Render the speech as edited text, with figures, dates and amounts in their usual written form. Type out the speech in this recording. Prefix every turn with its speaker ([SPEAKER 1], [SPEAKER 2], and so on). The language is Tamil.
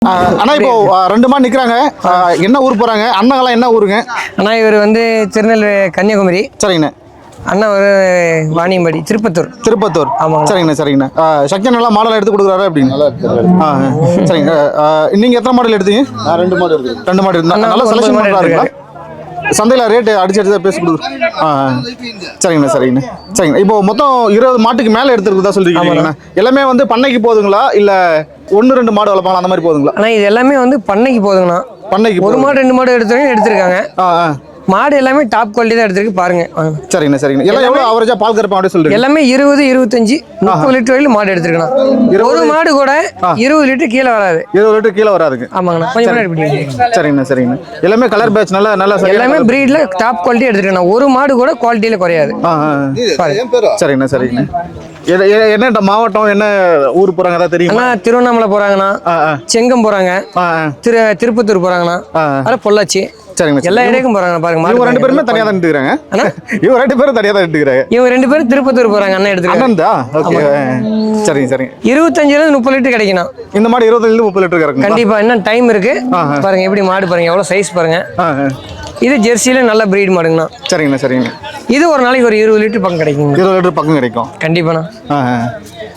[SPEAKER 1] அண்ணா இப்போ 2 மாடு நிக்கிறாங்க. என்ன ஊர் போறாங்க? அண்ணங்களாம் என்ன ஊருங்க?
[SPEAKER 2] அண்ணா இவர் வந்து திருநெல்வேலி கன்னியாகுமரி.
[SPEAKER 1] சரிங்கண்ணா.
[SPEAKER 2] அண்ணா ஒரு வாணியம்பாடி திருப்பத்தூர். ஆமாங்க.
[SPEAKER 1] சரிங்கண்ணா சரிங்கண்ணா. சக்தி நல்லா மாடல் எடுத்து கொடுக்குறாரு அப்படின்னு. சரிங்க. நீங்க எத்தனை மாடல் எடுத்தீங்க?
[SPEAKER 3] நான் 2 மாடு எடுத்தேன்.
[SPEAKER 1] 2 மாடு இருந்தா நல்லா செலக்ஷன் பண்றாருங்களா? சந்தையில் ரேட்டு அடிச்சு பேசி கொடுக்குறோம். சரிங்கண்ணா சரிங்கண்ணா. சரிங்க. இப்போ மொத்தம் 20 மாட்டுக்கு மேலே எடுத்துருக்குதா சொல்லிருக்கீங்களா? எல்லாமே வந்து பண்ணைக்கு போகுதுங்களா இல்லை 1-2 மாடு வளர்ப்பாங்களா அந்த மாதிரி போகுதுங்களா?
[SPEAKER 2] ஆனால் இது எல்லாமே வந்து பண்ணைக்கு போதுங்கண்ணா.
[SPEAKER 1] பண்ணைக்கு
[SPEAKER 2] ஒரு மாடு 2 மாடு எடுத்திருக்காங்க. மாடு எல்லாமே டாப் குவாலிட்டி தான் எடுத்திருக்கு பாருங்க.
[SPEAKER 1] சரிங்கண்ணா சரிங்கண்ணா. எல்லாம் எவ்வளோ அவரேஜா பால் கறப்பா அப்படி சொல்றீங்க? எல்லாமே
[SPEAKER 2] 20, 25, 30 லிட்டர் வரையிலும் மாடு எடுத்திருக்கணும். ஒரு மாடு கூட 20 லிட்டர் கீழே வராது.
[SPEAKER 1] 20 லிட்டர் கீழே வராதுங்க.
[SPEAKER 2] ஆமாங்கண்ணா. கொஞ்சம் முன்னாடி பிடிங்க.
[SPEAKER 1] சரிங்கண்ணா சரிங்கண்ணா. எல்லாமே கலர் பேட்ச் நல்லா
[SPEAKER 2] எல்லாமே பிரீட்ல டாப் குவாலிட்டி எடுத்துருக்கணும். ஒரு மாடு கூட குவாலிட்டியில குறையாது.
[SPEAKER 1] சரிங்கண்ணா சரிங்கண்ணா. என்ன மாவட்டம் என்ன ஊர் போறாங்க அதான் தெரியுமா?
[SPEAKER 2] திருவண்ணாமலை போறாங்கண்ணா, செங்கம் போறாங்க, திருப்பத்தூர் போறாங்கண்ணா, அதான் பொள்ளாச்சி.
[SPEAKER 1] சரிங்க.
[SPEAKER 2] எல்லா இடத்துக்கும் போறாங்க பாருங்க.
[SPEAKER 1] இவங்க 2 பேருமே தனியா தான் எடுத்துக்கிறாங்க. இவங்க 2 பேரும் தனியா தான் எடுத்துக்கிறாங்க.
[SPEAKER 2] இவங்க 2 பேரும் திருப்பத்தூர் போறாங்க. அண்ணன் எடுத்துக்கிறாங்க.
[SPEAKER 1] ஓகே. சரிங்க சரிங்க.
[SPEAKER 2] 25 30 லிட்டர் கிடைக்கணும்.
[SPEAKER 1] இந்த மாடு 25 30 லிட்டர் கறக்கும்.
[SPEAKER 2] கண்டிப்பா. இன்னும் டைம் இருக்கு. பாருங்க எப்படி மாடு பாருங்க, எவ்வளவு சைஸ் பாருங்க. இது ஜெர்சியில நல்ல பிரீட் மாடுங்கண்ணா.
[SPEAKER 1] சரிங்கண்ணா சரிங்க.
[SPEAKER 2] இது ஒரு நாளைக்கு ஒரு 20 லிட்டர் பக்கம் கிடைக்குங்க.
[SPEAKER 1] 20 லிட்டர் பக்கம் கிடைக்கும்.
[SPEAKER 2] கண்டிப்பாண்ணா.